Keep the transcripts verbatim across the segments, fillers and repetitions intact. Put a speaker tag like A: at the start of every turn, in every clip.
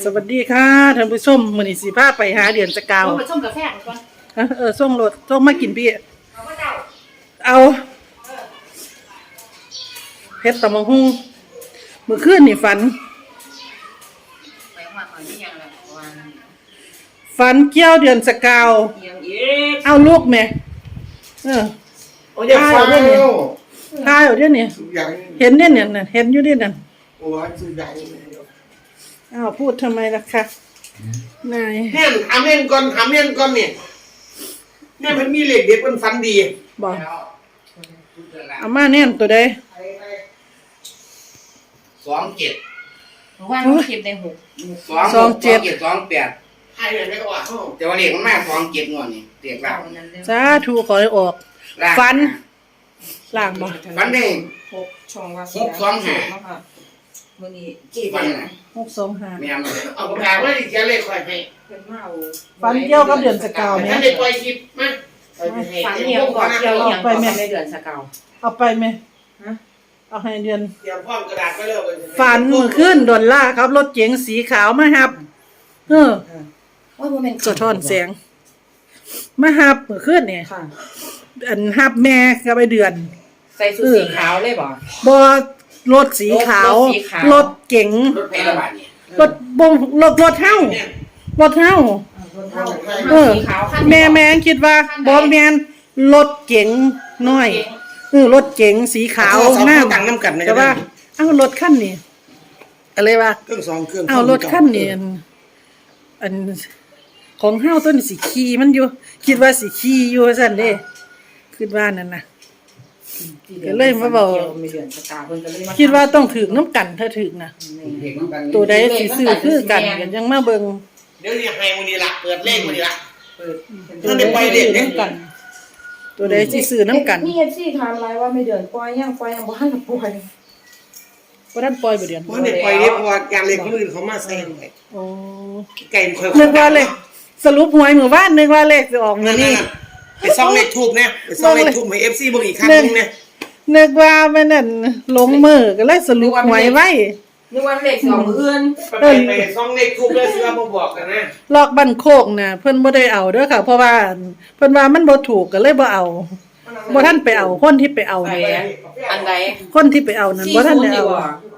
A: สวัสดีค่ะท่านผู้ชมมื้อนี้สิพาไปหาเดือนสกาว
B: เอาไปชมกาแฟก่อน
A: เออส่งรถส่งมากินพี่
B: เอาว่าเจ้า
A: เอาเฮ็ดตำบักหุ่งมื้อคืนนี่ฝัน
B: ไปว่าก่อนนี่ยังล่ะว่า
A: ฝันเกี่ยวเดือนสกาว
B: ยังอีก
A: เอาลูกแม่เออ
C: โอ้ยฟ้าเด้อ
A: ตายเอาเดี๋ยวนี้เห็นเด้เนี่ยน่ะเห็นอยู่เด้นั่น
C: โอ้ยสุดใหญ่
A: อ้าวพูดทำไมล่ะคะนาย
C: เน่นทำเน่นก่อนทำเน่นก่อนเนี่ยเนี่ยมันมีเหล็กเด็ดมันฟันดี
A: บอกเอามาแน่นตัวใด
D: สองเจ็ด
B: ว่าน้องคลิปได้หก
D: สองเจ็ดสองแปด
C: ให้เลยไม่ก็ว่า
D: แต่ว่าเหล็กมันมากสองเจ็ดงอนนี่เหล็กล่าง
A: สาธุขอให้ออกฟันล่างบ่
D: ฟันได้
B: หกช่องว่า
D: หกสองห้า
B: มื้อนี้
D: กี่ฟันน่ะ
A: หกสองห้า
D: แม่น
C: เอาปากกาไว้ดิแกเลขค่อยให้
B: เพิ่นมาเอา
A: ฟันเกี่ยวกับเดือนสกาวแม่
C: ท่านได้ปล่อยคลิปมา
B: ฝันเหี่ยวก่อนเกี่ยวอย่างก่อนในเดือนสกาว
A: เอาไปไหมฮะเอาให้เดือน
C: เตรียมพร้อมกระดาษไว้แล้ว
A: ฝันมื้อคืนดอลล่าครับรถเก๋งสีขาวมาฮับเออ
B: ว่าบ่แม่น
A: สะท้อนแสงมาฮับมื้อคืนนี่ค่ะอันฮับแม่กับไอ้เดือน
B: ใส่ชุดสีขาวเลยบ่
A: บ่รถสีขาวรถเก๋ง
D: รถเพลบาทนี่
A: รถบ่รถรถเฮารถเฮาเออแม่แม่คิดว่าบ่แม่นรถเก๋งน้อยเออรถเก๋งสีขาว
C: หน้าต่างน้ำกัน
A: แต่ว่าเอ้ารถคันนี้อะไรวะ
C: เครื่องสองเครื่อง
A: เอารถคันนี้อันของเฮาตัวนี้สิขี่มันอยู่คิดว่าสิขี่อยู่ซั่นเด้คิดว่านั่นน่ะก็เลยมาบอกคิดว่าต้องถึงน้ำกันถ้าถึงนะตัวใดสิซื้อคือกันกันยังมาเบิ่ง
C: เดี๋ยวนี้ให้มื้อนี้ล่ะเปิดเลขมื้อนี้ล่ะเปิดท่านได้ปล่อยเลขเด้กัน
A: ตัวใดสิซื้อน้ำกัน
B: มี เอฟ ซี ถามหลายว่าไม่เดือนปล่อยยังปล่อยยังบ่ทันปล่อย
A: บ่ทันปล่อยบ่เดือน
C: บ่ได้ปล่อยเด้เพราะว่าการเลขคนอื่นเขามาใส่ไว้
A: อ๋อ
C: ไก่ค่อย
A: นึกว่าเลขสรุปหวยมื้อวานนึกว่าเลขสิออกมื้อนี้
C: ไปซ่องเลขทูบเนี่ยไปซ่องเลขทูบให้ เอฟ ซี เบิ่งอีกครั้งนึงเนี่ย
A: นึกว่ามันนั่นลงมือก็เลยสรุปหวยไว้
B: นึกว่าเลขสองมื้ออื่น
C: ไปไปซ่องเลขทูบแล้วเสือบ่บอกกันนะ
A: ลอกบ้านโคกน่ะเพิ่นบ่ได้เอาเด้อค่ะเพราะว่าเพิ่นว่ามันบ่ถูกก็เลยบ่เอาบ่ทันไปเอาคนที่ไปเอาแหม
B: อันใด
A: คนที่ไปเอานั่นบ่ทันได้เอา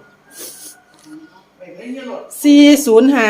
A: สี่ศูนย์ห้า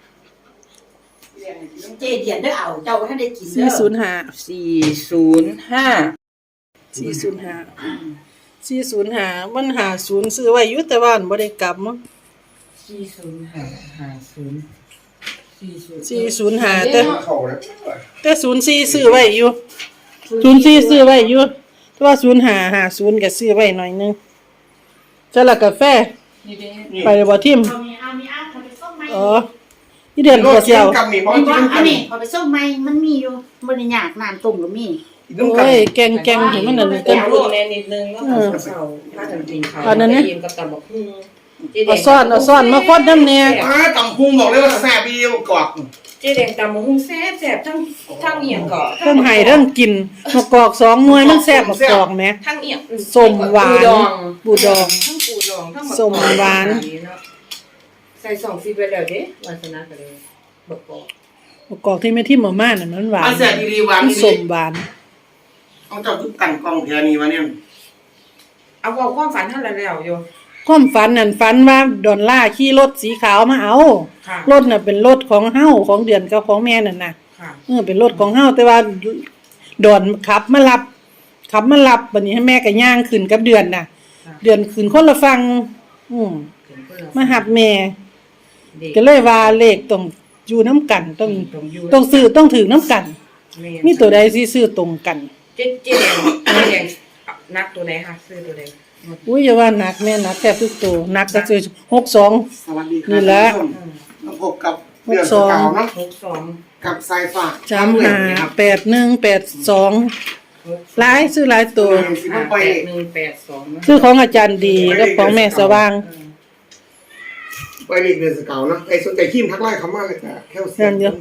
B: เจเดียนได้เอาเจ้าท่านได้กินเด้อ
A: สี่ศูนย์ห้า
B: สี่ศูนย์ห้า
A: สี่ศูนย์ห้า สี่ศูนย์ห้ามันห้าศูนย์ซื้อไว้อยู่แต่ว่าบ่ได้กลับมั้ง
B: สี่ศูนย์ห้า ห้าศูนย์
A: สี่ศูนย์ห้าแต่แต่ศูนย์สี่ซื้อไว้อยู่ศูนย์สี่ซื้อไว้อยู่แต่ว่าศูนย์ห้า ห้าศูนย์ก็ซื้อไว้หน่อยนึงจะละกาแฟไปบ่ทิ่มอ๋อนี่เดือนกว่าเสียว
B: อันนี้พอไปส่งใหม่มันมีอยู่บ่ได้ยากน้ำต้มก็มี
A: โอ้ยแกงแกงเห็นมันนั่นเต็ม
B: รุ่นแน่นิดนึงแล้วก็เซาถ้าทำจริงค่ะอันนั้นเนี่ยกับตำบักหุ่ง
A: เอาซ่อนเอาซ่อนมาคดน้ำเนี่ย
C: อ้าตำพุงบอกเลยว่าแซ่บอีเดียวกรอบ
B: เจ๊แดงตำบักหุ่งแซ่บแซ่บทั้งทั้งเอียงก่อ
A: ทั้งไห้ทั้งกินมะกอกสองหน่วยมันแซ่บมะกอกแหม
B: ทั้งเอียง
A: ส้มหวานปูดอง
B: ทั้งปูดองทั้ง
A: ส้มหวาน
B: ใส่สองฟีไปแล้วเด้วาสนาก็เลยมะกอก
A: มะกอกที่ไม่ทิ่มม่าน่ะมันหวาน
C: แซ่บดีๆหวาน
A: ส้มหวาน
C: เอาเจ้าทุกตั้งกล้องแถวนี้วะเนี่ย
B: เอาเอาความฝันท่านแล้วอยู่
A: ความฝันนั่นฝันว่าดอลล่าขี่รถสีขาวมาเอารถน่ะเป็นรถของเฮาของเดือนกับของแม่นั่นน่ะเออเป็นรถของเฮาแต่ว่าดอนขับมารับขับมารับบัดนี้ให้แม่ก็ย่างขึ้นกับเดือนน่ะเดือนขึ้นคนละฝั่งอืมมาหับแม่ก็เลยว่าเลขต้องอยู่นำกันต้องต้องซื้อต้องถือนํกันมีตัวใดสิซื้อตรงกัน
B: เจ๊เจ๊แดงเจ๊แดงนักตัวไหนคะซื้อตัวใด
A: อุ้ยอย่าว่านักแม่นักแทบทุกตัวนักก็คือหกสอง
C: สวัสดีครับ
A: นี่แหละ
C: มาพบกับเดือนสกาวนะ
B: หกสอง
C: กับสายฝาก
A: จำห้าแปดหนึ่งแปดสองหลายซื้อหลายตัว
B: แปดหนึ่งแปดสอง
A: ซื้อของอาจารย์ดีแล้วของแม่สว่าง
C: ไปเรียนเดือนสกาวนะไอ้สนใจขี้มทักไล่คำว่าอะไรแต่แค่เสียงเยอะ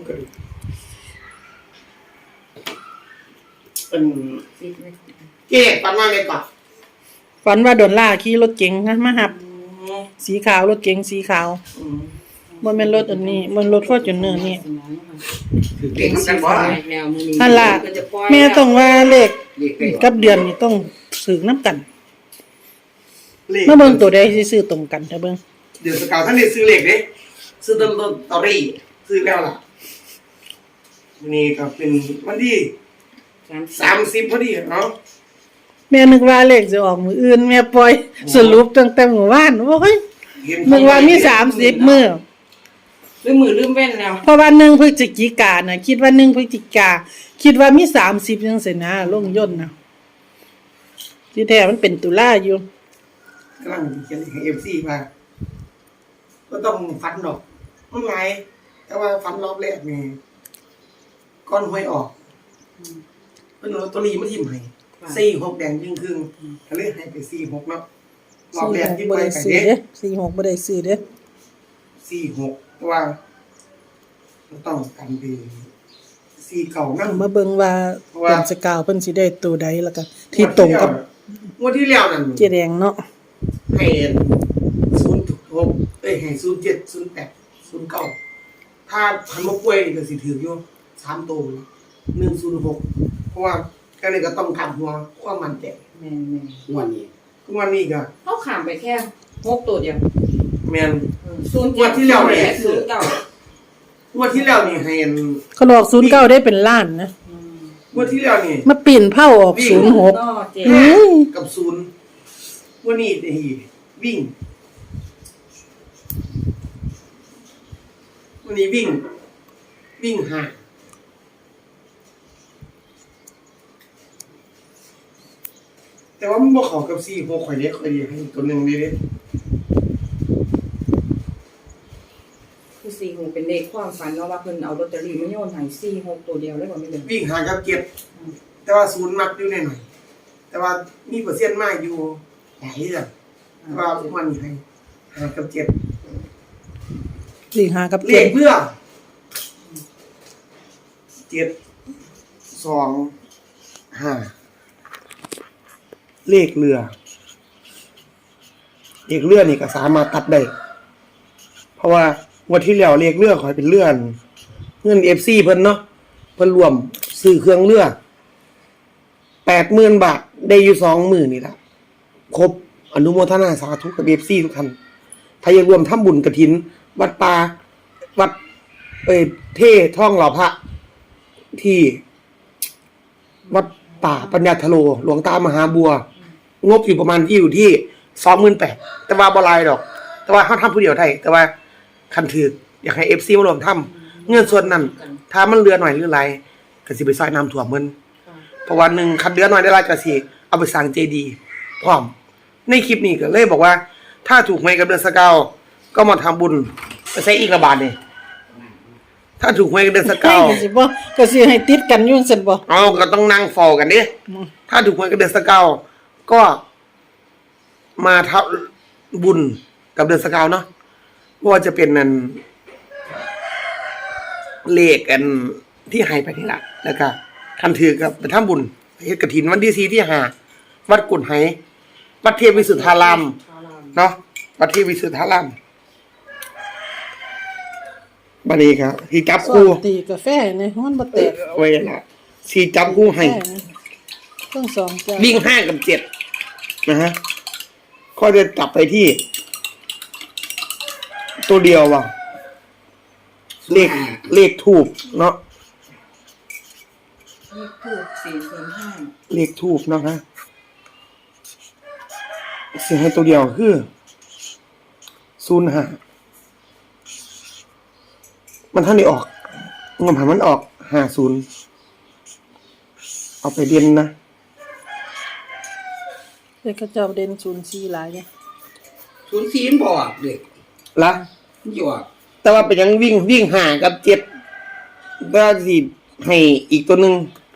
C: เป็นเจ๊ปันว่าอะไรก่อน
A: ฝันว่าดอลล่าขี่รถเก๋งนะมาหับสีขาวรถเก๋งสีขาวบ่แม่นรถอันนี้มันรถ Fortuner นี่
D: เด็กกันบ่
B: แล้วมื้อนี้
A: นั่นล่ะ
B: ก็จะปล่อย
A: แม่ต้องว่าเลข
D: เด็กเด็ก
A: กับเดือนนี่ต้องซื้อนํกัน
C: เลข
A: มาเบิ่งตัวใดสิซื้อตรงกันถ้าเบิ่ง
C: เดือนสกาวท่านได้ซื้อเลขเด้ซื้อต้นต้นตอรี่ซื้อแล้วล่ะวันนี้ก็เป็นวันที่สามสิบพอดีเนาะ
A: แม่นึกว่าเลขสิออกมื้ออื่นแม่ปล่อยสรุปตั้งแต่เมื่อวานโอ้ย
C: เห็น
A: นึกว่ามีสามสิบมื้อ
B: ลืมมือลืมเว้นแล้ว
A: เพราะว่าหนึ่งพฤศจิกายนน่ะคิดว่าหนึ่งพฤศจิกาคิดว่ามีสามสิบจังซี่นะลงย่นต์น่ะที่แท้มันเป็นตุลาอยู่
C: กำลังเขียนให้เอฟซีมาก็ต้องฟันดอกมันไงแต่ว่าฟันรอบแรกนี่ก้อนห้วยออกเป็นลอตเตอรี่มาทิ่มให้สี่หกแดงยิ่งครึ่งก็เลยให้ไปสี่หกเนาะรอบแรกที่
A: บ่
C: ไป
A: ได้
C: ไป
A: ซื้อ
C: เด้
A: เด้สี่หกบ่ได้ซื้อเด้
C: สี่หกแต่ว่าต้องกันดีสี่เก่านั่ง
A: มาเบิ่งว่า
C: เพราะว่า
A: เดือนสกาวเพิ่นสิได้ตัวใดแล้วก็ที่ตรงกับ
C: งวดที่แล้วนั่น
A: เจแดงเนาะ
C: ให้ศูนย์หกเอ้ยให้ศูนย์เจ็ดศูนย์แปดศูนย์เก้าถ้าพันมกล้วยนี่ก็สิถืออยู่สามตัวหนึ่งศูนย์หกเพราะว่าก็เลยก็ต้องทำหัวความมันแตก
B: แม่น
D: งวดนี้
C: งวดนี้ก็
B: ๆเฮาข้ามไปแค่หกตัวเดียว
C: แมน
B: ศูนย์
C: งวดที่แล้วเนี่ย
B: ศูนย์เก้าง
C: วดที่แล้วนี่ให้
A: เขาบอกศูนย์เก้าได้เป็นล้านนะ
C: งวดที่แล้วนี่
A: มาปีนเผาออกศูนย์หก
B: ก็เจ๊
C: ห้ากับศูนย์งวดนี้นี่วิ่งวันนี้วิ่ง วิ่งห้าแต่ว่ามันบ่เข้ากับสี่หกข่อยเด้ข่อยเดียวให้ตัวหนึงดีเด้
B: คือสี่หกเป็นเลขความฝันเนาะว่าเพิ่นเอาลอตเตอรี่มาโยนให้สี่หกตัวเดียวเลยบ่แม่นเด้อ
C: วิ่งหากับเก็บแต่ว่าศูนย์มักอยู่หน่อยๆแต่ว่ามีเปอร์เซ็นต์มากอยู่หลายเรื่องแต่ว่ามันให้หากับเก็บ
A: สี่ห้ากับ
C: เล
A: เจ็ด
C: ขเพื่อเจ็ดสองห้าเลขเรือเลขเรือนี่ก็สามารถตัดได้เพราะว่าวันที่แล้วเลขเรือขอยเป็นเลื่อนเงิน เอฟ ซี เพิ่นเนาะเพิ่นรวมซื้อเครื่องเรือแปดหมื่นบาทได้อยู่สองหมื่นนี่ล่ะครบอนุโมทนาสาธุกับ เอฟ ซี ทุกท่านถ้าอยากรวมทำบุญกฐินวัดป่าวัดเอ่ยเท่ท่องหล่อพระที่วัดป่าปัญญาทโลหลวงตามหาบัว งบอยู่ประมาณที่อยู่ที่สองหมื่นแปดแต่ว่าบ่หลายดอก แต่ว่าเขาทำผู้เดียวได้แต่ว่าคันถืออยากให้ เอฟ ซี มารวมทำเงินส่วนนั้น ถ้ามันเหลือหน่อยหรือไรก็สิไปซอยน้ำท่วมมันเพราะวันหนึ่งคันเหลือหน่อยได้หลายก็สิเอาไปสร้างเจดีย์พร้อมในคลิปนี้ก็เลยบอกว่า ถ้าถูกหวยกับเดือนสกาวก็มาทำบุญไปใช้อีกระบาดนี่ถ้าถูกหวยกับเดือนสกาว
A: ก็สิบ่ก็สิให้ติดกันอยู่ซั่นบ่
C: เอาก็ต้องนั่งฟอกันดิถ้าถูกหวยกับเดือนสกาวก็มาทำบุญกับเดือนสกาวเนาะว่าจะเป็นนั่นเลขกันที่ให้ไปนี่แหละแล้วก็คันถือกับไปทำบุญเฮ็ดกฐินวันที่สี่ที่ห้าวัดกุฎไหวัดเทพวิสุทธารามเนาะวัดเทพวิสุทธารามบัดนี้ครับที่จับ
A: สอ
C: คู่
A: นตีกาแฟนี่มันบ่แตก
C: ไว้ละที่จับคู่ให้
A: ทั้งสองจ้ะ
C: วิ่งห้ากับเจ็ดนะฮะก็จะจับไปที่ ตัวเดียวว่ะเลขเลขทูบเนาะ
B: เลขถูกสี่ศูนย์ห้า
C: เลขทูบเนาะฮะเสียให้ตัวเดียวคือศูนย์ห้ามันท่านได้ออกเงินผ่านมันออกห้าศูนย์เอาไปเรียนนะ
A: เด็กเขาเจ้าเด่นศูนย์สี่หลายเด้
D: ศูนย์สี่มันบ่ออกเด็ก
C: ละ
D: มันอยู่ออก
C: แต่ว่าเป็นยังวิ่งวิ่งห่างกับเจ็ดก็สิให้อีกตัวหนึ่ง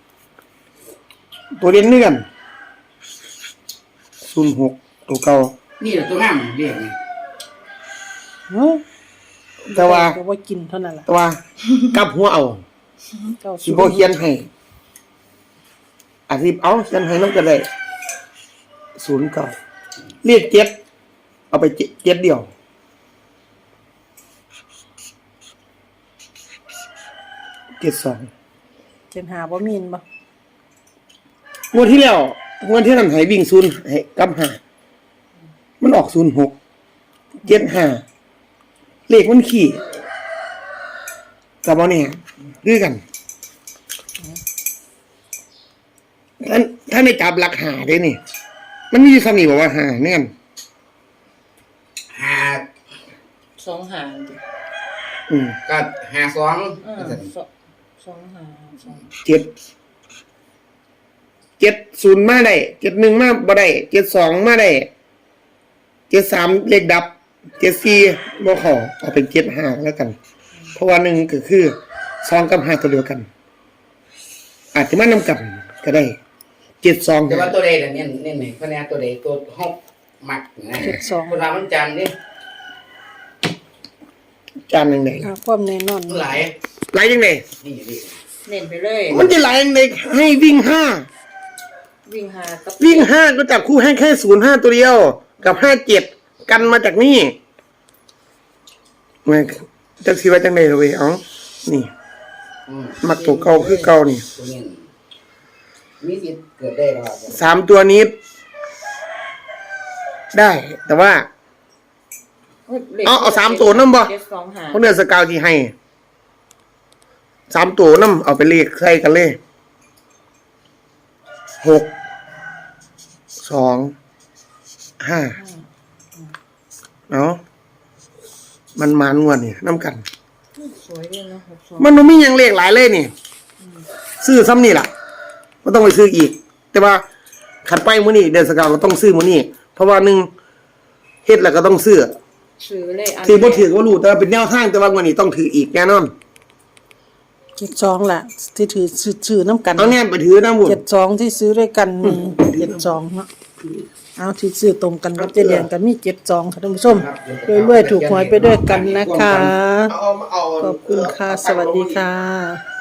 C: ตัวเรียนเนื่อนศูนย์หกตัวเก่า
D: นี่แหละตัวงามเรียกนี่
A: เนาะ
C: แต่ว่า
A: ก็บ่กินเท่านั้นล่ะ
C: แต่ว่ากลับหัวเอา
A: เก้า
C: สิบ่เขียนให้อาทิตย์เอาเขียนให้นำก็ได้ศูนย์เก่าเรียกเจ็ดเอาไปเจ็ดเจ็ดเดียวเจ็ดสอง
A: เจ็ดหาบ่มีนบ่
C: งวดที่แล้วงวดที่นั่นให้วิ่งศูนย์ให้กลับห้ามันออกศูนย์หกเจ็ดห้าเลขมันขี่กับบ่เนี่ยคือกันท่านท่านได้จับหลักหาได้นี่ มันมีอยู่ซ้ำนี่บอกว่าหาแน่น
D: หา
B: สองหางดิ
C: อืม
D: ก็หาสอง
B: เออสองสองหางสอง
C: เจ็ดเจ็ดศูนย์มาได้เจ็ดหนึ่งมาบ่ได้เจ็ดสองมาได้เจ็ดสามเลขดับเจ็ดสี่บ่ขอเอาเป็นเจ็ดห้าแล้วกัน เพราะว่าหนึ่งก็คือสองกับห้าตัวเดียวกัน อาจจะมานำกันก็ได้เจ็ดสอง
D: แต่ว่าตัวใดน่ะเนี่ยเนี่ยไหนคะแนนตัวใดตัวห้องมักนะ
A: เจ็ดสอง
D: คนเรามันจันนี่
C: จานหนึ่งไหน
A: หาความแน่นอน
D: หลาย
C: ไหลยังไง
D: นี่นี่
B: เน้นไปเลย
C: มันจะไหลยังไงให้วิ่งห้า
B: วิ่งหากับ
C: วิ่งห้าก็จับคู่ให้แค่ศูนย์ห้าตัวเดียว กับห้าเจ็ดกันมาจากนี่มันจักสิว่าจังได๋เลยเอ้านี่
D: อืม
C: มักตัวเก่าคือเก่านี่
D: ตัวนี้มีสิทธิ์เกิดได้หรอ
C: สามตัวนี้ ได้ แต่ว่า เอาเอาสามตัวนั่นบ่
B: เจ็ดสองหาง
C: เพราะเนื้อสกาวที่ให้สามตัวน้ำเอาไปเลขใส่กันเลยหกสองห้าเนาะมันมานวดนี่น้ำกัน
B: สวยด้วยเนาะหกสอง
C: มันบ่มีหยังเลขหลายเลยนี่ ซื้อซ้ำนี่ล่ะไม่ต้องไปซื้ออีก แต่ว่าขัดไปมื้อนี้เดือนสกาวก็ต้องซื้อมื้อนี้เพราะว่าหนึ่งเฮ็ดแล้วก็ต้องซื้อ
B: ซื้อเลยอัน
C: ถือบ่ถือก็รู้แต่ว่าเป็นแนวทางแต่ว่าวันนี้ต้องถืออีกแน่นอน
A: เจ็ดสองล่ะ ที่ถือซื้อซื้อน้ำกัน
C: เอาแน่ไปถือนะบุญ
A: เจ็ดสองที่ซื้อด้วยกันมีเจ็ดสองเนาะเอาที่ซื้อตรงกันกับเจเดียนกันมีเจ็ดสองค่ะท่านผู้ชมรวยๆถูกหวยไปด้วยกันนะคะ
C: เอาเอา
A: ขอบคุณค่ะ สวัสดีค่ะ